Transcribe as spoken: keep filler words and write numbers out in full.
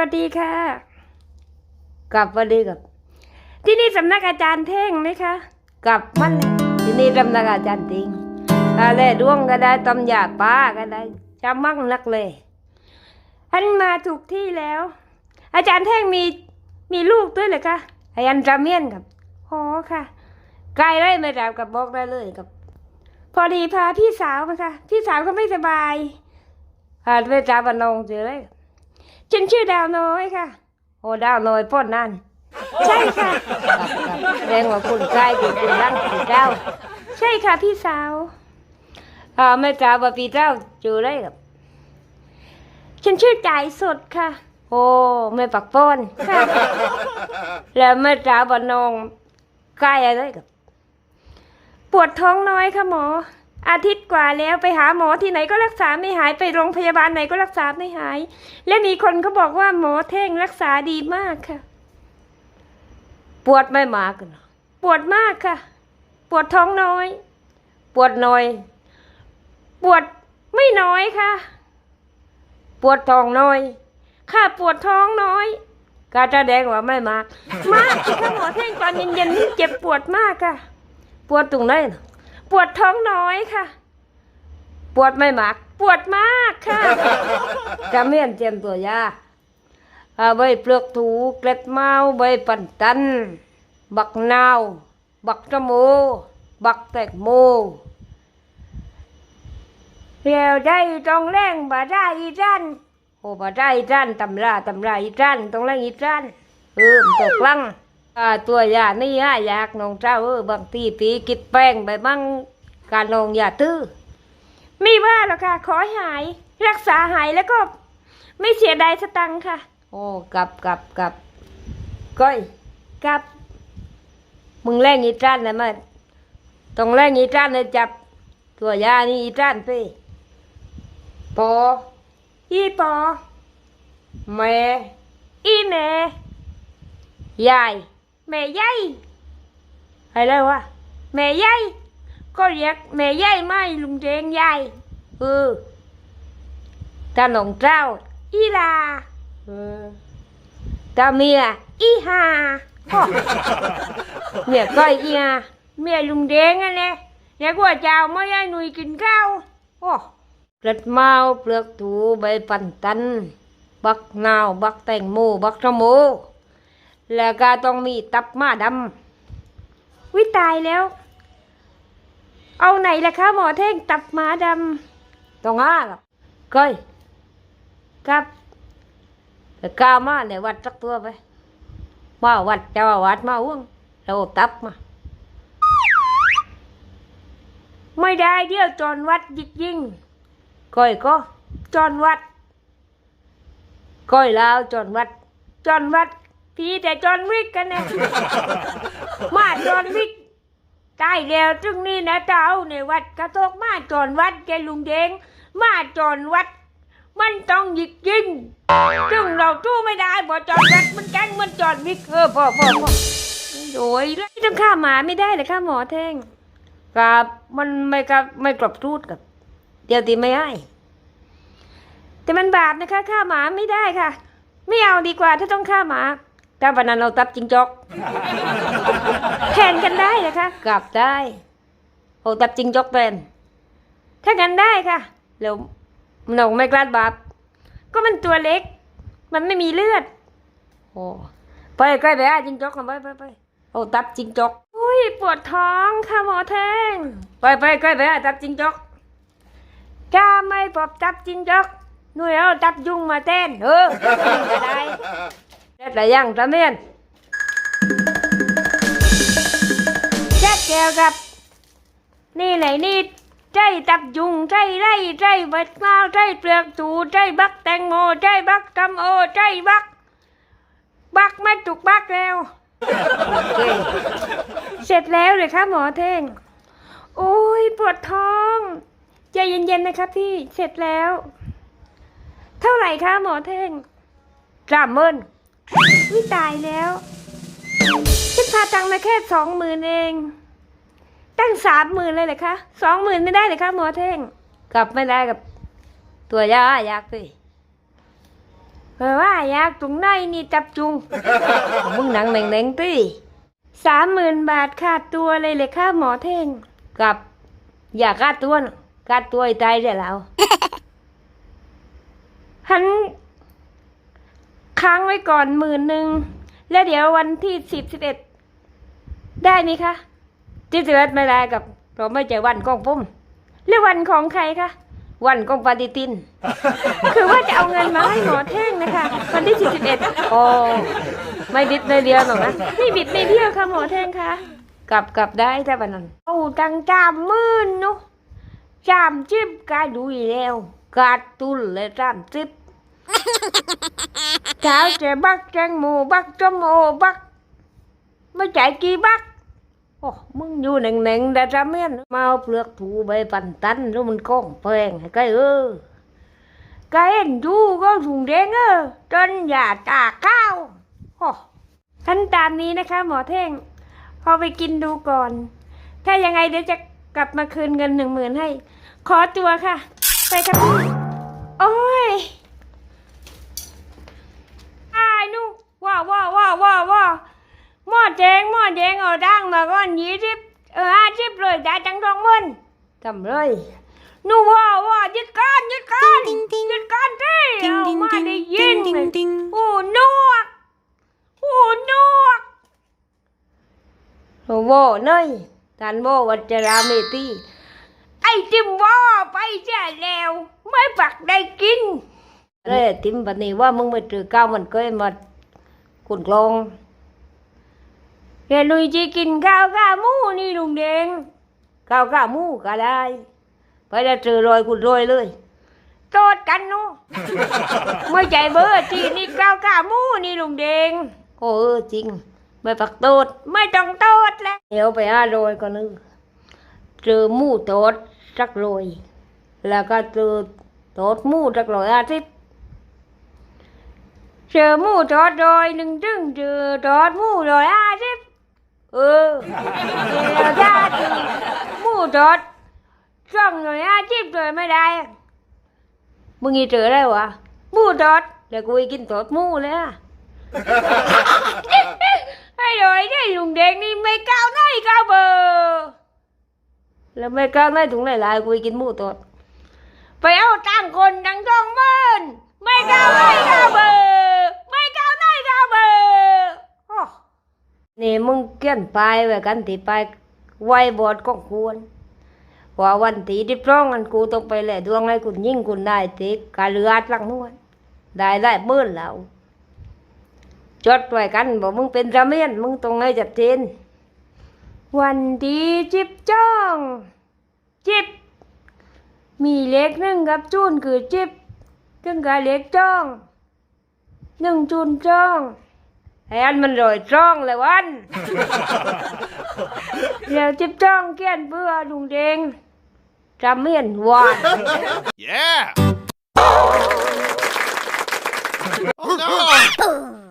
วัสดีค่ะกับสวัสดีกับที่นี่สำนักอาจารย์เท่งไหมคะกับมันเลยที่นี่สำนักอาจารย์ติงอะไรดวงก็ได้ตำยาป้าก็ได้จำมั่งนักเลยท่านมาถูกที่แล้ว อาจารย์เท่งมีมีลูกด้วยเหรอคะอาจารย์จำเมียนกับอ๋อค่ะไกลได้ไม่ได้กับบอกได้เลยกับพอดีพาพี่สาวมาค่ะพี่สาวก็ไม่สบายพาไปจ่าบันนงเจอเลยฉันชื่อดาวน้อยค่ะโอ้ดาวน้อยพ่นนั่นใช่ค่ะแรงกว่าคุณใกล้คุณคุณรังคุณเจ้าใช่ค่ะพี่สาวอ่าแม่จ่าว่าพี่เจ้าเจอเลยกับฉันชื่อจ่ายสดค่ะโอ้ไม่ปักป้อนค่ะแล้วแม่จ่าบันนงใกล้อะไรกับปวดท้องน้อยค่ะหมออาทิตย์กว่าแล้วไปหาหมอที่ไหนก็รักษาไม่หายไปโรงพยาบาลไหนก็รักษาไม่หายและมีคนเขาบอกว่าหมอเท่งรักษาดีมากค่ะปวดไม่มากนะปวดมากค่ะปวดท้องน้อยปวดน้อยปวดไม่น้อยค่ะปวดท้องน้อยค่ะปวดท้องน้อยก็จะแดงว่าไม่มากมากค่ะหมอเท่งตอนเย็นๆเจ็บปวดมากค่ะปวดตรงไหนนะปวดท้องน้อยค่ะปวดไม่มากปวดมากค่ะจะเมียนเจียมตัวยาใบเปลือกถูเกล็ดเมาใบปันตันบักนาวบักตะโมบักแตกโมเรียวได้ต้องแรงบาได้อีจันโอ้บาได้อีจันตำราตำราอีจันต้องแรงอีจันเออตกลังอ่าตัวยานี่ฮะอยากน้องเจ้าเออบางทีปีกิดแป้งไปบ้างการนองอย่าตื้อไม่ว่าหรอกค่ะขอหายรักษาหายแล้วก็ไม่เสียดายสตังค์ค่ะโอ้กับกับกับก้อยกับมึงแรงอีจ้านนะมันต้องแรงอีจ้านเลยจับตัวยานี่อีจ้านไปปออีปอแม่อีแม่ยายแม่ใหญ่อะไรวะแม่ใหญ่ก็เรียกแม่ใหญ่ไม่ลุงเจงใหญ่เออตาหนองเจ้าอีลาเออตาเมียอีหาพ่อเมียก้อยอีหาเมียลุงเจงนั่นแหละเรียกว่าเจ้าไม่ให้หนุ่ยกินข้าวโอ้เปลือกเมาเปลือกถูใบปันตันบักนาวบักแตงโมบักชะโมแล้วก็ต้องมีตับม้าดำวิตายแล้วเอาไหนล่ะคะหมอเท่งตับม้าดำต้องห้ากับก้อยกับแต่กามาในวัดสักตัวไปมาวัดเจ้าวัดมาอ้วงเราตับมาไม่ได้เดี๋ยวจอนวัดยิกยิงก้อยก็จอนวัดก้อยลาวจอนวัดจอนวัดพี่แต่จอนวิกกันเนี่ยมาจอนวิกตายแล้วจึงนี่นะเจ้าในวัดกระทกมาจอนวัดแกลุงเดงมาจอนวัดมันต้องหยิกยิงจึงเราทู้ไม่ได้พอจอนวัดมันแกงมันจอนวิกเออพ่อพ่อพ่อโอ้ยแล้วต้องฆ่าหมาไม่ได้เลยฆ่าหมอแท่งกับมันไม่กับไม่กรอบทูดกับเดี๋ยวตีไม่ให้แต่มันบาปนะคะฆ่าหมาไม่ได้ค่ะไม่เอาดีกว่าถ้าต้องฆ่าหมาถ้าวันนั้นเราตับจิงจอกแทนกันได้นะคะกลับได้โอ้ตับจิงจอกเป็นถ้ากันได้ค่ะแล้วหนองไม่กล้าบาปก็มันตัวเล็กมันไม่มีเลือดโอ้ไปใกล้ไปอ่ะจิงจอกกันไปไปไปโอ้ตับจิงจอกอุ้ยปวดท้องค่ะหมอแทงไปไปใกล้ไปอ่ะตับจิงจอกจ้าไม่ปอบตับจิงจอกนู่นเอาตับยุงมาเต้นเออจะได้ได้แต่ยังตะเมียนแจ๊กแก้วกับนี่ไหนนี่ใจตับยุงใจไรใจบัดมาใจเปลือกถูใจบักแตงโมใจบักตำโอใจบักบักไม่ถูกบักแล้วเสร็จแล้วเลยครับหมอเท่งโอ้ยปวดท้องใจเย็นๆนะครับพี่เสร็จแล้วเท่าไหร่คะหมอเท่งสามหมื่นวิตายแล้วฉันพาตังค์มาแค่สองหมื่นเองตั้งสามหมื่นเลยเหรอคะสองหมื่นไม่ได้เลยคะหมอเท่งกลับไม่ได้กับตัวยาอยากสิเพราะว่าอยากตรงไหนนี่จับจุง มึงหนังแหน่งๆตีสามหมื่นบาทค่าตัวเลยเลยค่าหมอเท่งกับอย่าค่าตัวนะค่าตัวไอ้ตายเดี๋ยวเรา หันค้างไว้ก่อนหมื่นหนึ่งแล้วเดี๋ยววันที่สิบสิบเอ็ดได้ไหมคะที่สิบเอ็ดไม่ได้กับเราไม่ใช่วันของผมหรือวันของใครคะวันของปฏิทิน คือว่าจะเอาเงินมาให้หมอเท่งนะคะวันที่สิบสิบเอ็ดโอ้ไม่บิดเลยเดียวหรอกนะไม่บิดไม่เบี้ยวค่ะหมอเท่งคะกลับกลับได้แต่วันนั้นโอ้ตังจามมื่นเนาะจามจิบกายดูอีแล้วกาดตุลเลยจามจิบเช้าจะบักแจงหมูบักจมโอบักไม่จ่ายกี่บักโอ้มึงอยู่หนึ่งหนึ่งแต่จำเมียนมาเอาเปลือกถูใบปันตันแล้วมันก้องแพงให้ไกเออไกเอ็นดูก็ถุงแดงเออจนอย่าตาข้าวโอ้ขั้นตามนี้นะคะหมอเท่งพอไปกินดูก่อน ถ้ายังไงเดี๋ยวจะกลับมาคืนเงินหนึ่งหมื่นให้ ขอตัวค่ะ ไปครับพี่โอ้ยไอ้หนูว้าว้าว้าว้าว้าหม้อแจงหม้อแจงเอาดังมาก่อนยี่สิบเออห้าสิบเลยได้จังทองมันทำเลยหนูว้าว้ายึดก้อนยึดก้อนยึดก้อนที่เอามาได้ยินเลยโอ้นวกโอ้นวกโอ้โหเนยท่านโบวัจราเมตีไอ้ติมว่าไปแจ้แล้วไม่ปักได้กินเลยติมวันนี้ว่ามึงมาถือก้าวมันก็มาขุนกลองแกลุยจีกินข้าวข้าหมูนี่ลุงแดงข้าวข้าหมูก็ได้ไปจะเจอรอยขุนรอยเลยโตดกันเนาะ ไม่ใจเบอร์จีนี่ข้าวข้าหมูนี่ลุงแดงโอ้เออจริงไม่ปักโตดไม่ต้องโตดแล้วเดี๋ยวไปหารอยก็นึกเจอหมูโตดสักรอยแล้วก็เจอโตดหมูสักรอยอาทิตย์เจอหมูโตดรอยหนึ่งจึงเจอโตดหมูรอยอาทิตย์เออเดี๋ยวถ้าเจอหมูโตดช่องรอยอาทิตย์เลยไม่ได้มึงอีเจอได้วะหมูโตดแล้วกูกินโตดหมูเลยอะ ไอ้รอยได้ลุงแดงนี่ไม่ก้าวหน้าก้าวเบอร์แล้วไม่ก้าวหน้าถุงหลายๆกูกินหมูตดไปเอาตังคนตังทองมันไม่ก้าวหน้าก้าวเบอร์ไม่ก้าวหน้าก้าวเบอร์นี่มึงเกี้ยนไปไว้กันที่ไปไว้บอดของควรว่าวันที่ที่พร้องกันกูต้องไปแหละดวงให้คุณยิ่งคุณได้ติดกาเลือดลังนวลได้ได้เบิ้ลแล้วจดไว้กันบอกมึงเป็นระเมียนมึงตรงให้จัดเจนวันดีจิบจ้องจิบมีเล็กหนึ่งกับจูนคือจิบจึงกับเล็กจ้องหนึ่งจูนจ้องไอ้อันมันรอยจ้องเลยวัน เดี๋ยวจิบจ้องเกี้ยนเพื่อลุงเดงระเมียนหวาน Yeah! Oh no!